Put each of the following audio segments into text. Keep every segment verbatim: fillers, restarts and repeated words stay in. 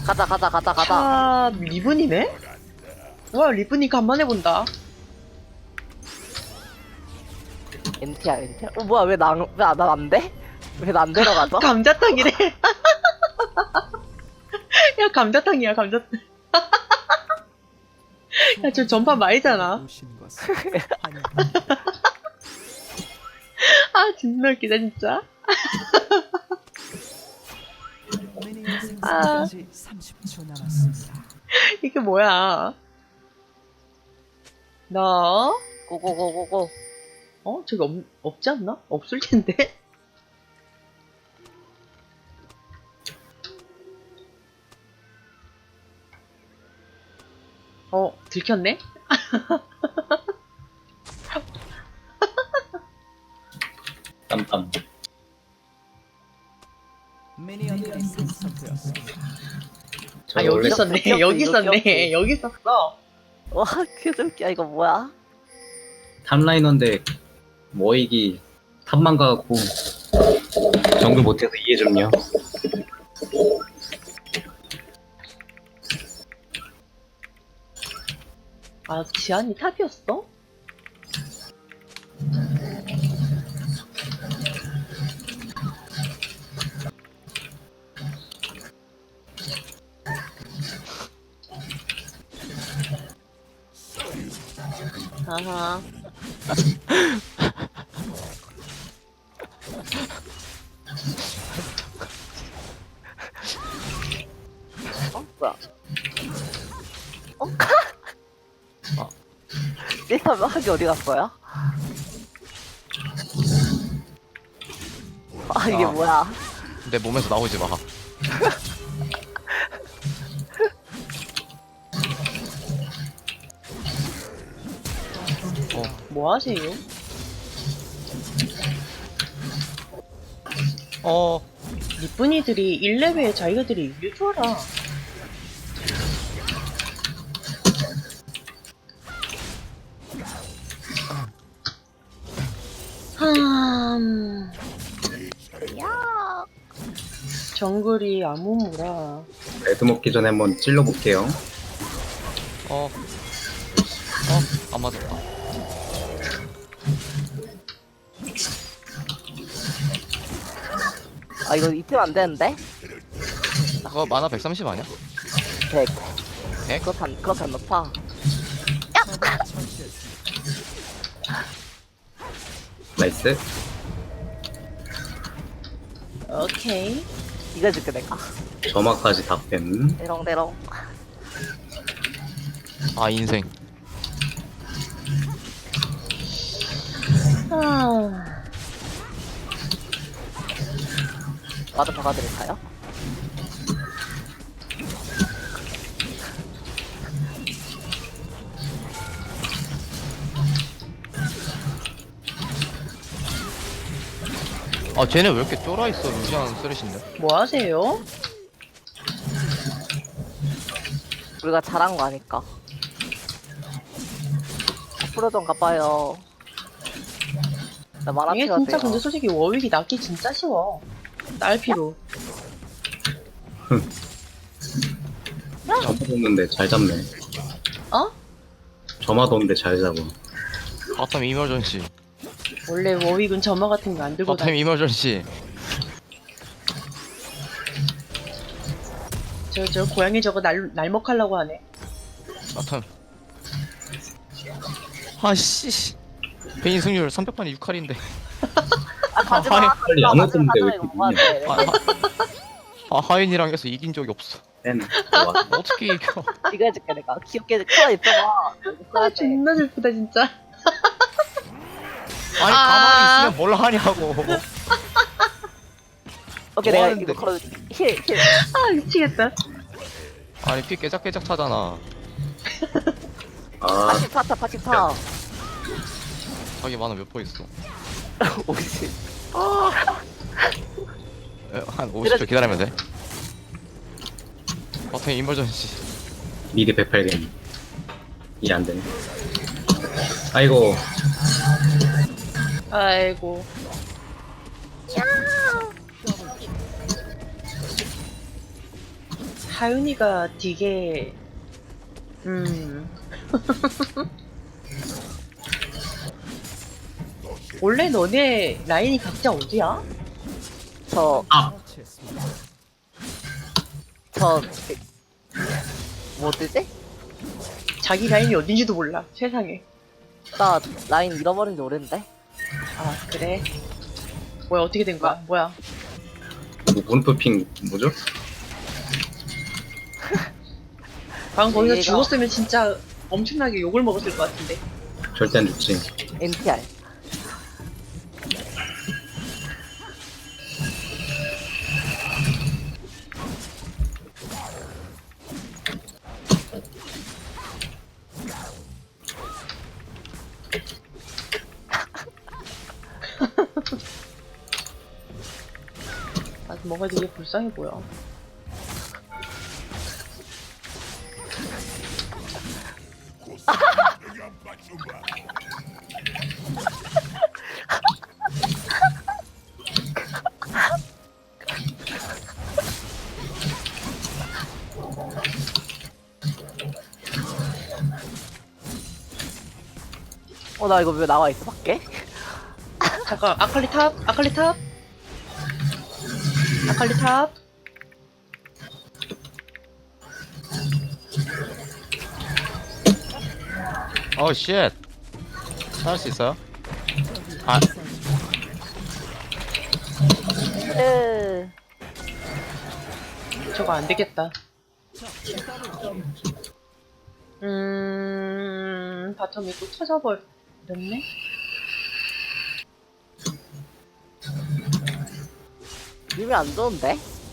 가자 가자 가자 가자. 아, 리븐이네? 와, 리븐이 간만에 본다. 엔티야 엔티야. 어 뭐야 왜나왜난안 돼? 왜 난 데려가죠? 감자탕이래. 야, 감자탕이야, 감자탕. 야, 저 전판 말이잖아. 아, 존나 웃기다, 진짜. 아, 이게 뭐야. 너? 고고고고고. 어? 저기 없, 없지 않나? 없을 텐데? 어, 들켰네? 땀땀. 미니언들이 생성되었습니다. 아, 여기 있었네. 귀엽지, 여기 이거 있었네. 귀엽지. 여기 있었어. 와 큐즈웃기야 이거 뭐야? 탑라이너인데 모이기 탑만 가고 정글 못해서 이해 좀요. 아, 지안이 탑이었어? 아하. 어 뭐야? 어? 어. 일단 하기 어디 갔어요? 아 이게 아. 뭐야? 내 몸에서 나오지 마. 어, 뭐 하세요? 어, 니쁜이들이 일 레벨에 자기들이 이길 줄 알아. 흠... 야. 정글이 아무무라. 레드 먹기 전에 한번 찔러볼게요. 어, 어, 안 맞았다. 아 이거 입히면 안 되는데? 그거 만화 백삼십 아니야? 백. 백? 그거 단 그거 단 높아. 나이스. 오케이. 이거 줄게 내가. 점화까지 다 뺀. 대롱대롱. 아, 인생. 아... 와드 박아드릴까요? 아, 쟤네 왜 이렇게 쫄아있어, 루시안 쓰레신데? 뭐 하세요? 우리가 잘한 거 아니까. 앞으로 좀 가봐요. 나 만화 이게 필요하세요. 진짜 근데 솔직히 워윅이 낫기 진짜 쉬워. 딸피로. 점화 뒀는데 잘 잡네. 어? 점화 뒀는데 잘 잡아. 바텀 이머전시. 원래 워윅은 점화 같은 거 안 들고 바텀 다니. 이머전시. 저, 저 고양이 저거 날, 날먹하려고 하네. 바텀. 아씨. 베인 승률 삼백 판에 육 할인데. 아 가지마. 아, 빨리 안 오던데 왜 이렇게 뭐 늦냐. 아, 하, 아, 하인이랑 해서 이긴 적이 없어. 뺀. 좋아. 어떻게 이겨? 이거 해줄게 내가. 귀엽게 커 있어봐. 아, 존나 슬프다, 진짜. 아니, 아. 가만히 있으면 뭘 하냐고. 오케이 뭐 내가 하는데? 이거 걸어줄게. 힐 힐. 아, 미치겠다. 아니, 피 깨작깨작 차잖아. 아, 파티 파타 파티 파. 자기 만화 몇 퍼 있어? 오십. 에, 한 오십 초 기다리면 돼. 바텀 이머전시. 미드 백팔 개. 이해 안 되네. 아이고. 아이고. 하윤이가 되게 음 원래 너네 라인이 각자 어디야? 저, 아 처치했습니다. 저, 뭐 뜨지? 자기 라인이 어딘지도 몰라 세상에. 나 라인 잃어버린 지 오랜데? 아 그래? 뭐야 어떻게 된 거야? 뭐야? 뭐 문프핑 뭐죠? 방금 거기서 얘가- 죽었으면 진짜 엄청나게 욕을 먹었을 것 같은데. 절대 안 죽지. 엔티알. 아 뭔가 되게 불쌍해 보여. 어, 나 이거 왜 나와 있어, 밖에? 잠깐 아칼리 탑, 아칼리 탑, 아칼리 탑. 어 쉣. 할 수 있어요? 아 으, 저거 안 되겠다. 음, 바텀이 또 터져버렸네? 님이 안 좋은데?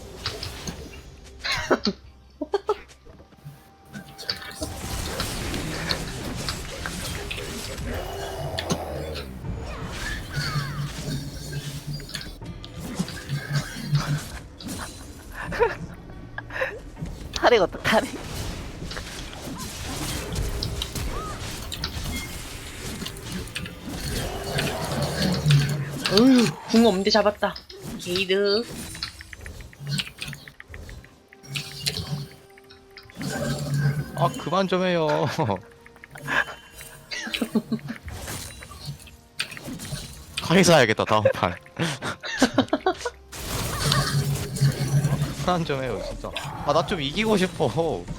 탈이 어떡하니? 어휴, 궁 없는데 잡았다. 게이드. 아 그만 좀 해요. 카이사 해야겠다 다음 판. 그만 좀 해요 진짜. 아 나 좀 이기고 싶어.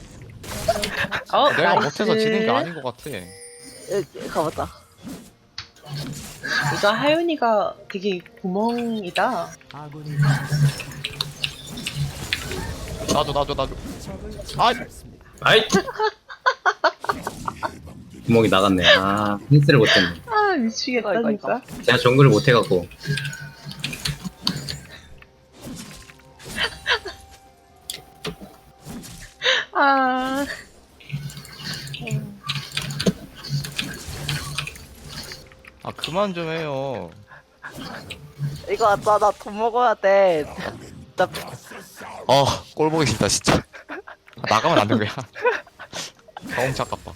어, 내가 나이스. 못해서 지는 게 아닌 것 같아. 으, 가보자. 이거 하윤이가 되게 구멍이다. 아군이 나도 나도 나도. 적을 아 처치했습니다. 아이 구멍이 나갔네. 아 힌스를 못했네. 아, 미치겠다, 이거, 이거, 진짜. 제가 정글을 못해갖고. 아, 아 그만 좀 해요. 이거 나, 나 돈 먹어야 돼. 나, 어, 꼴 보기 싫다 진짜. 아, 나가면 안 되는 거야. 너무 착깝다.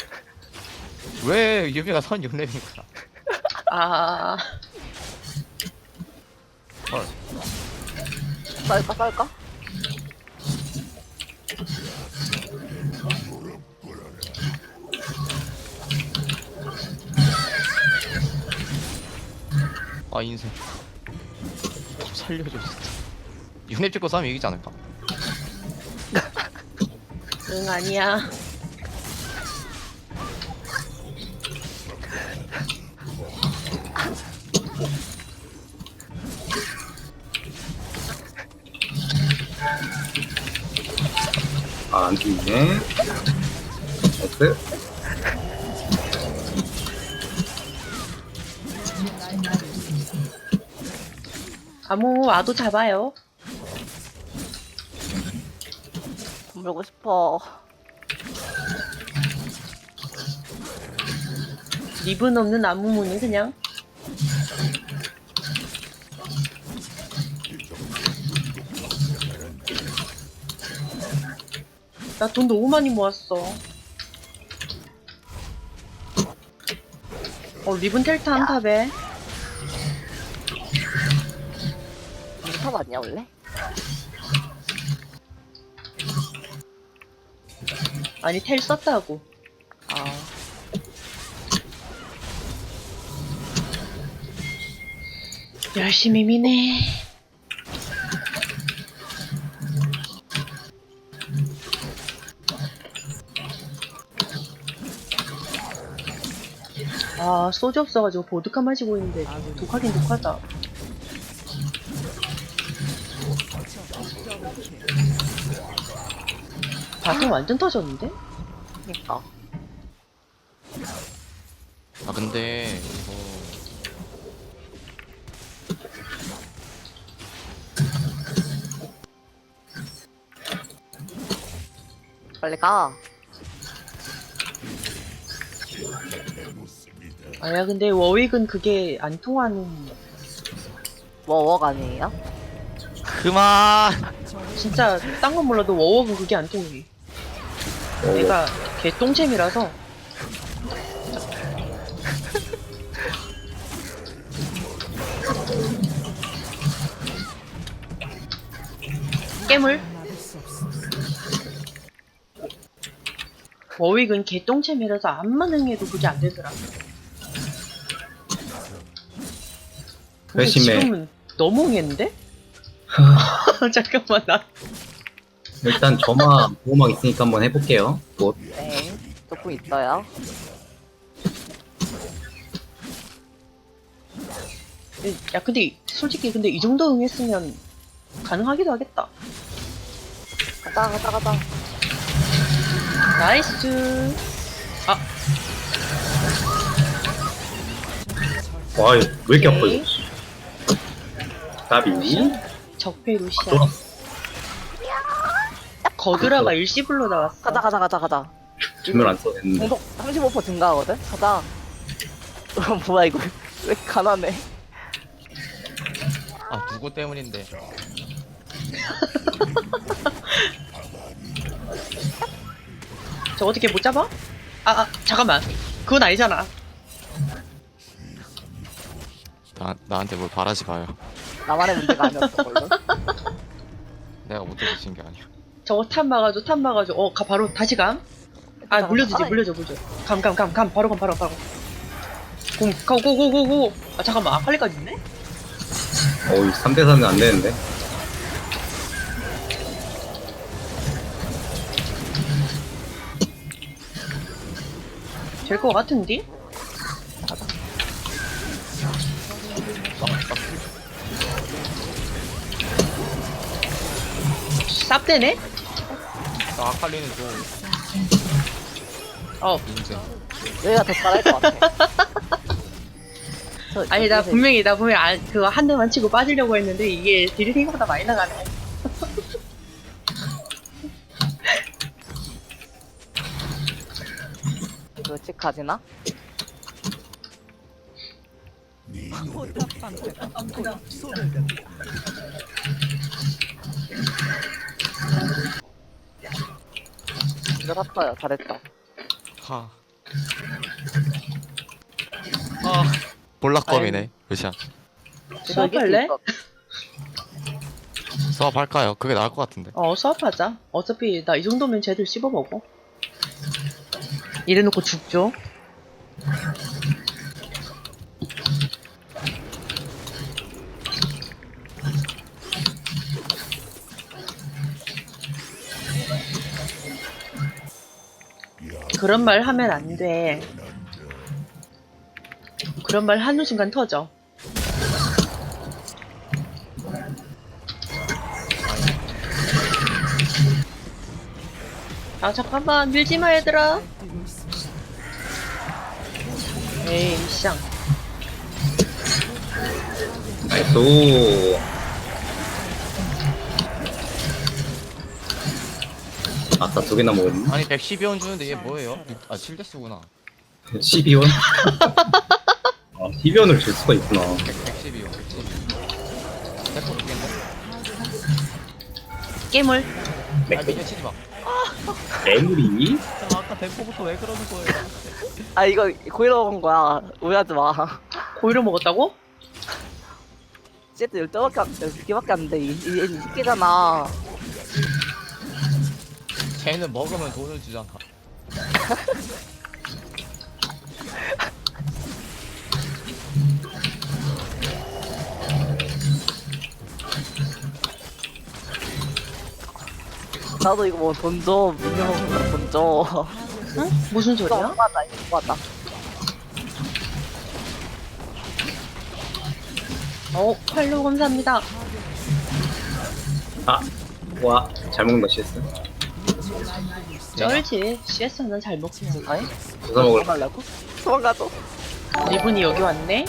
왜 유비가 선 육 렙인 거야? 아. 헐. 쌀까, 쌀까? 아 인생. 좀 살려줘 진짜. 육 렙 찍고 싸면 이기지 않을까? 응, 아니야. 아, 안 죽네. 나이스. 아무 와도 잡아요. 돈 벌고 싶어. 립은 없는 아무무는 그냥. 나 돈 너무 많이 모았어. 어, 립은 텔타 한 탑에. 이거 탑 아니야, 원래? 아니 텔 썼다고. 아 열심히 미네. 아 소주 없어가지고 보드카 마시고 있는데 독하긴 독하다. 바텀 완전 터졌는데? 그니까 아 근데 이거 빨리 가. 아야 근데 워윅은 그게 안 통하는. 워워가 아니에요? 그만. 진짜 딴 건 몰라도 워웍은 그게 안 통해. 내가 개 똥챔이라서. 깨물. 워윅은 개 똥챔이라서 암만 응해도 그게 안 되더라. 근데 회심해. 지금은 너무 응했는데? 잠깐만 나. 일단 저만 보호막 있으니까 한번 해볼게요. 뭐 네 조금 있어요. 야 근데 솔직히 근데 이 정도 응했으면 가능하기도 하겠다. 가자 가자 가자. 나이스. 아 와, 이거 왜 이렇게 아파 오케이. 이거. 나비. 적폐 루시아. 쫄았어. 거드라가 일시불로 나왔어. 가자 가자 가자 가자. 전멸 안 써냈는데. 공속 삼십오 퍼센트 증가하거든? 가자. 뭐야 이거 왜 이렇게 가난해. 아 누구 때문인데? 저 어떻게 못 잡아? 아, 아 잠깐만. 그건 아니잖아. 나 나한테 뭘 바라지 마요. 나만의 문제가 아니었어 걸로. 내가 못해서 진 게 아니야. 저거 탑 막아줘, 탑 막아줘. 어, 가 바로 다시 감. 아, 물려주지, 물려줘, 물려줘. 감, 감, 감, 감. 바로 감, 바로, 바로. 공, 고, 고, 고, 고, 고. 아, 잠깐만. 아칼리까지 있네? 어이, 삼 대 사는 안 되는데. 될 것 같은데? 쌉대네? 나 아칼리는 좀 어. 인증. 여기가 더 잘할 것 같아. 저, 아니, 나 저기서 분명히, 나 분명히, 아, 그거 한 대만 치고 빠지려고 했는데, 이게 딜이 생각보다 많이 나가네. 이거 찍하지나? 이거 샀어요. 잘했다. 하. 아. 볼락검이네. 루시안. 수업할래? 수업할까요? 그게 나을 것 같은데. 어, 수업하자. 어차피 나 이 정도면 쟤들 씹어먹어. 이래놓고 죽죠. 그런 말 하면 안 돼. 그런 말 하는 순간 터져. 아 잠깐만 밀지마 얘들아. 에이 쌍. 나이스. 아싸, 두 개나 먹었네. 아니 백십이 원 주는데 얘 뭐예요? 아 칠 데스구나. 십이 원? 아, 십이 원을 줄 수가 있구나. 백십이 원. 백십이 원. 백퍼 두 개인데? 깨물. 아 미녀 치지 마. 애물이? 아, 아까 백퍼부터 왜 그러는 거예요? 아 이거 고의로 먹은 거야. 오해하지 마. 고의로 먹었다고? 쟤도 열두 개밖에 안, 열두 개밖에 안 돼. 이, 이, 이십 개잖아. 쟤는 먹으면 돈을 주잖아. 나도 이거 뭐 돈 줘. 미니멈 돈 줘. 응? 무슨 이거 소리야? 맞다 이거 맞다. 어, 팔로우 감사합니다. 아, 와, 잘 먹는다, 씨에스. 쩔지. 씨에스는 잘 먹지. 아니? 주워 먹을 도망가려고? 도망가죠. 리분이 여기 왔네.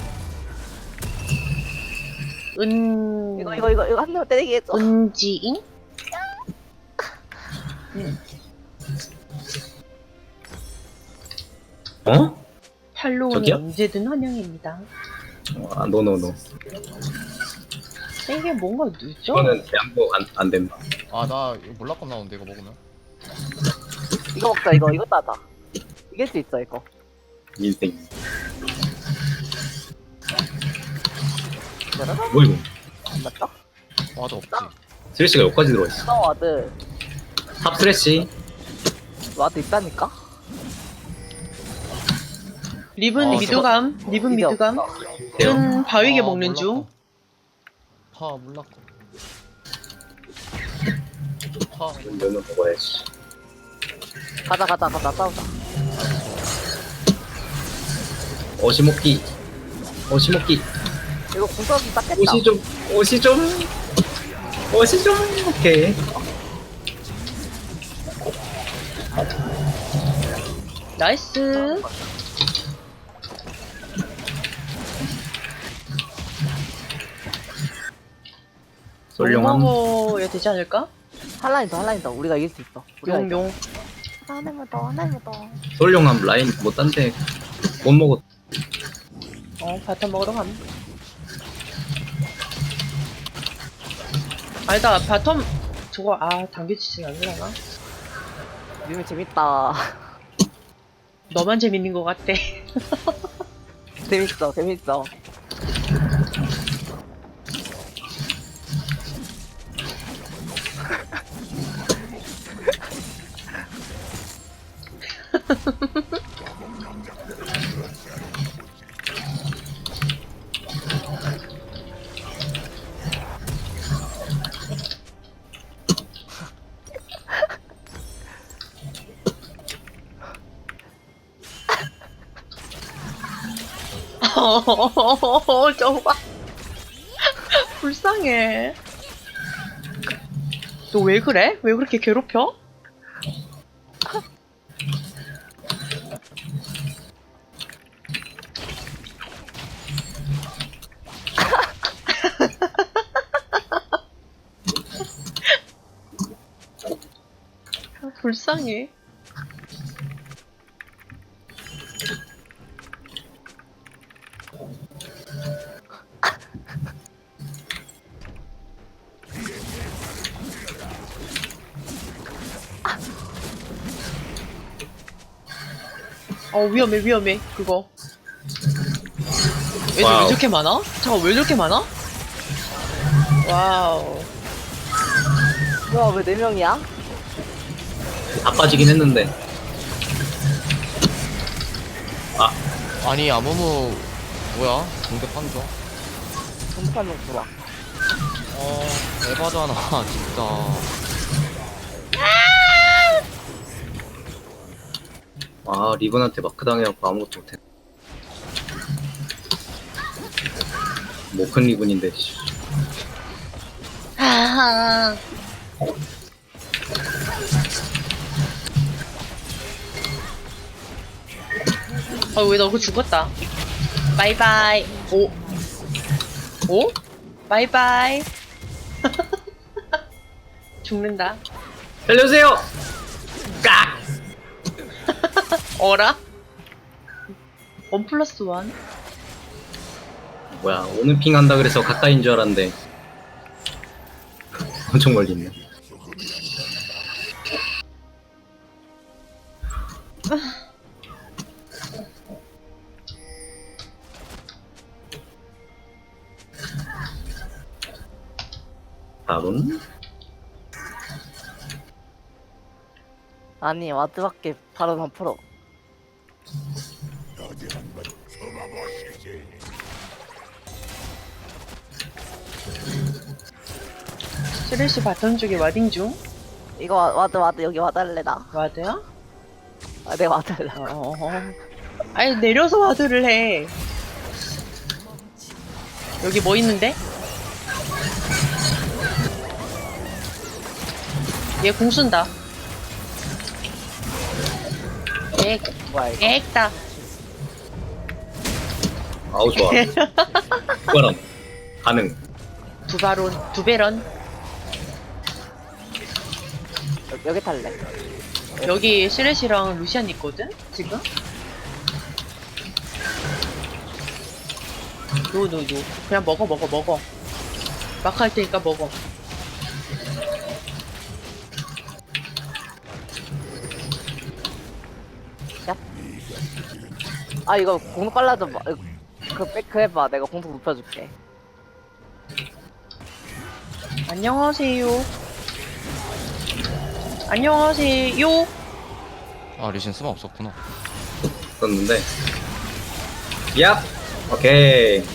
은... 이거 이거 이거 이거 한 대만 때리게 해줘. 은지잉? 어? 팔로우는 저기요? 언제든 환영입니다. 아, 노노노. 이게 뭔가 늦죠? 이거는 양보 안, 안 된다. 아, 나 이거 몰락감 나오는데, 이거 먹으면. 이거 먹자 이거 이거 따자. 이길 수 있어 이거. 인생. 짜라란. 뭐 이거? 안 맞다? 와도 없지. 스레시가 여기까지 들어있어. 나 와드 탑 스레시. 와드 있다니까? 리븐 아, 미드감, 리븐 이게 미드감. 없어. 돼요. 은 바위게 아, 먹는 몰락감. 중. 파, 몰락감. 파. 너는 먹어야지. 가자 가자 가자 싸우자. 어시먹기. 어시먹기. 이거 궁서기 닦겠다. 옷이 좀, 옷이 좀. 옷이 좀. 오케이. 나이스. 솔룡함. 먹어야 되지 않을까? 한라인 더 한라인 더 우리가 이길 수 있어. 우리가 이겨. 용용. 하나만 더 하나만 더. 솔룡함 라인 뭐 딴 데 못 먹었. 어, 바텀 먹으러 감. 아니다, 바텀 저거 아 당겨지진 않으려나? 유미 재밌다. 너만 재밌는 것 같대. 재밌어 재밌어. 저거 봐. 불쌍해. 너 왜 그래? 왜 그렇게 괴롭혀? 불쌍해. 어 위험해 위험해 그거. 애들 왜 와우. 저렇게 많아? 잠깐 왜 저렇게 많아? 와우. 뭐야 왜 네 명이야? 다 빠지긴 했는데. 아, 아니, 아무무, 뭐야? 공격 한조? 동판 좀 들어와. 어, 에바잖아, 진짜. 아, 리본한테 마크 당해갖고 아무것도 못해. 뭐 큰 리본인데, 씨. 하하. 어왜 너 그거 죽었다. 바이바이. 오. 오? 바이바이. 죽는다. 살려주세요! 깍! 어라? 원 플러스 원? 뭐야, 오늘 핑 한다 그래서 가까이인 줄 알았는데. 엄청 멀리 있네. 다음. 아니 와드밖에 바로 안 풀어. 쓰레쉬 바텀 쪽에 와딩 중. 이거 와- 와드 와드 여기 와드 할래 나. 와드야? 아 내가 와드 할래. 어. 아니 내려서 와드를 해. 여기 뭐 있는데? 얘 공 쓴다. 엑, 뭐야 이거. 엑다. 아우 좋아. 그거랑 가능. 두 바론, 두 베런. 여기, 여기 탈래. 여기 시레시랑 루시안 있거든? 지금? 노, 노, 노. 그냥 먹어, 먹어, 먹어. 막 할 테니까 먹어. 아 이거 공속 빨라져 봐. 그 백크 해봐. 내가 공속 높여줄게. 안녕하세요. 안녕하세요. 아 리신 수만 없었구나. 썼는데. 얍. 오케이.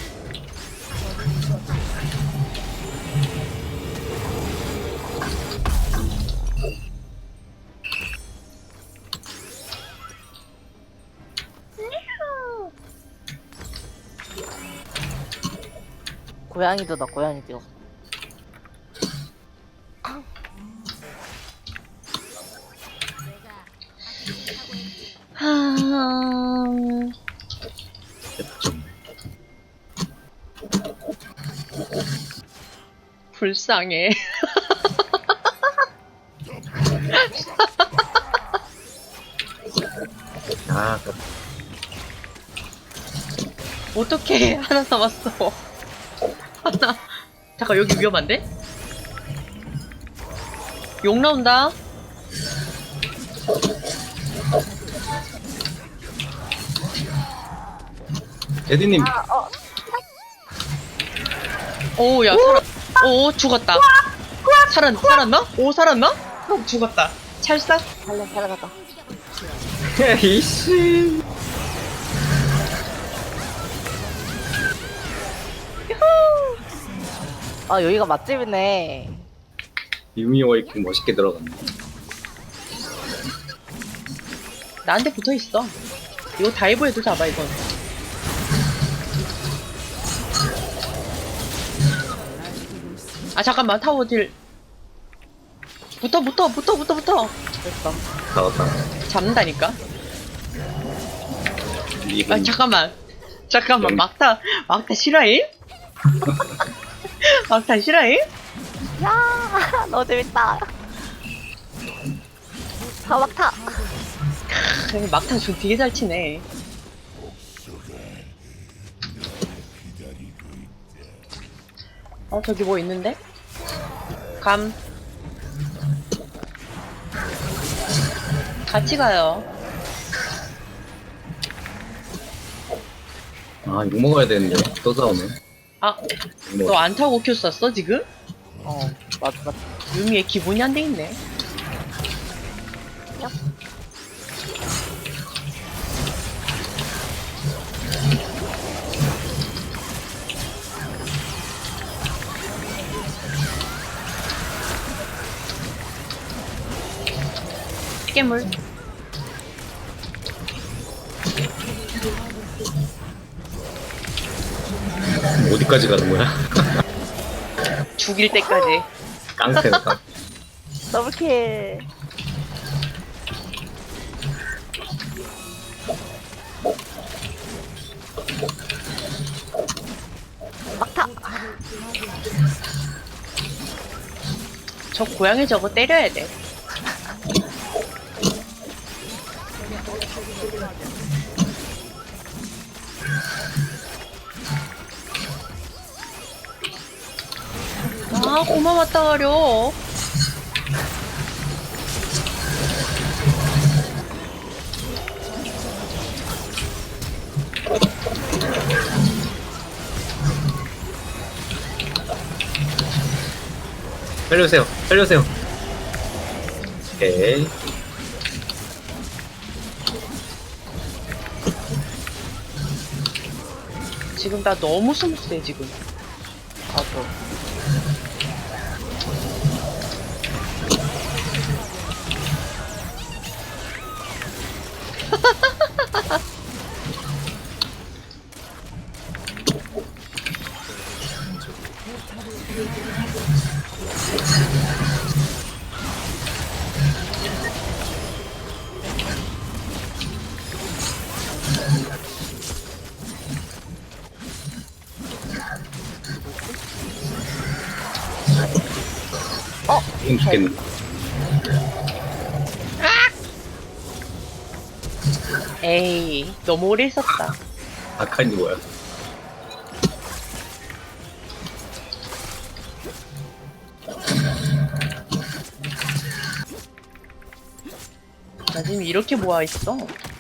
고양이도다 고양이도. 하... 좀. 불쌍해. 아, 그- 어떡해. 하나 남았어. 하나. 잠깐, 여기 위험한데? 욕 나온다. 에디님. 오, 야, 살았. 오, 죽었다. 살았, 살았나? 오, 살았나? 어, 죽었다. 찰싹? 살려 살려갔다. 이씨. 아 여기가 맛집이네. 유미 워이킹 멋있게 들어갔네. 나한테 붙어 있어. 이거 다이브해도 잡아, 이건. 아, 잠깐만, 타워 딜. 붙어, 붙어, 붙어, 붙어, 붙어. 됐어. 잡았다. 잡는다니까? 이분. 아, 잠깐만. 잠깐만, 음. 막타, 막타 실화임? 막타 실화임? 야 너무 재밌다. 다 막타. 크, 막타 좀 되게 잘 치네. 어, 저기 뭐 있는데? 감. 같이 가요. 아, 욕 먹어야 되는데. 또 싸우네. 아, 욕 먹어. 너 안 타고 큐 썼어, 지금? 어 맞 맞. 유미의 기본이 안 돼 있네. 깨물. 어디까지 가는 거야? 죽일 때까지. 깡패, 깡패. 더블킬. 막타. 저 고양이 저거 때려야 돼. 아, 고마 왔다 가려. 살려주세요. 살려주세요. 오케이. 지금 나 너무 스무스해 지금. 나도. 지금 죽겠네. 에이 너무 오래 있었다. 아칸이 뭐야? 나 지금 이렇게 모아 있어.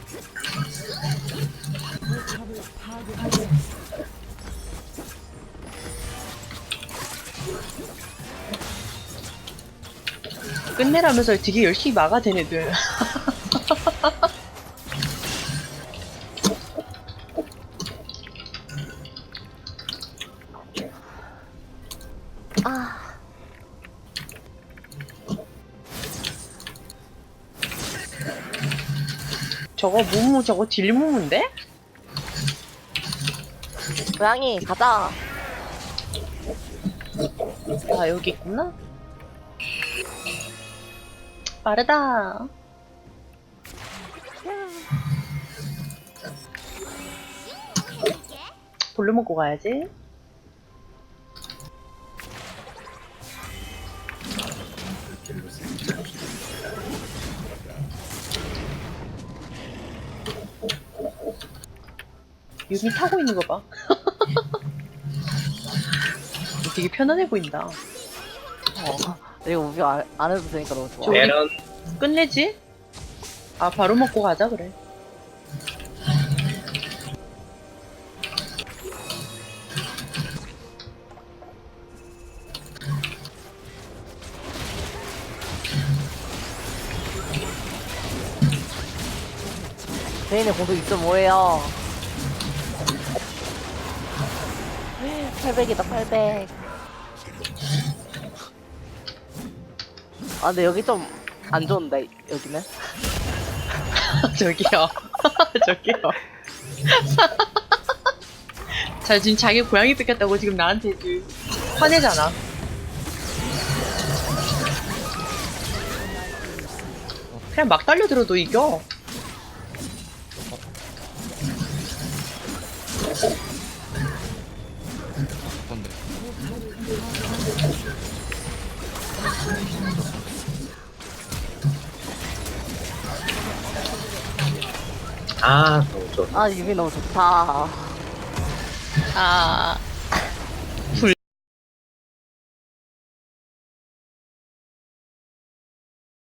끝내라면서 되게 열심히 막아댄 애들. 아. 저거 무무 저거 딜무무인데? 고양이 가자. 아 여기 있구나. 빠르다. 돌려 먹고 가야지. 유미 타고 있는 거 봐. 되게 편안해 보인다. 어. 이거 우비 안, 안 해도 되니까 너무 좋아. 저- 메론. 끝내지? 아 바로 먹고 가자 그래. 제인의 공속 이 점 오예요. 팔백이다 팔백. 아 근데 여기 좀 안 좋은데 여기는. 저기요. 저기요. 자 지금 자기 고양이 뺏겼다고 지금 나한테 지금 화내잖아. 그냥 막 달려들어도 이겨. 뭔데? 아, 너무 좋아. 아 유미 너무 좋다. 아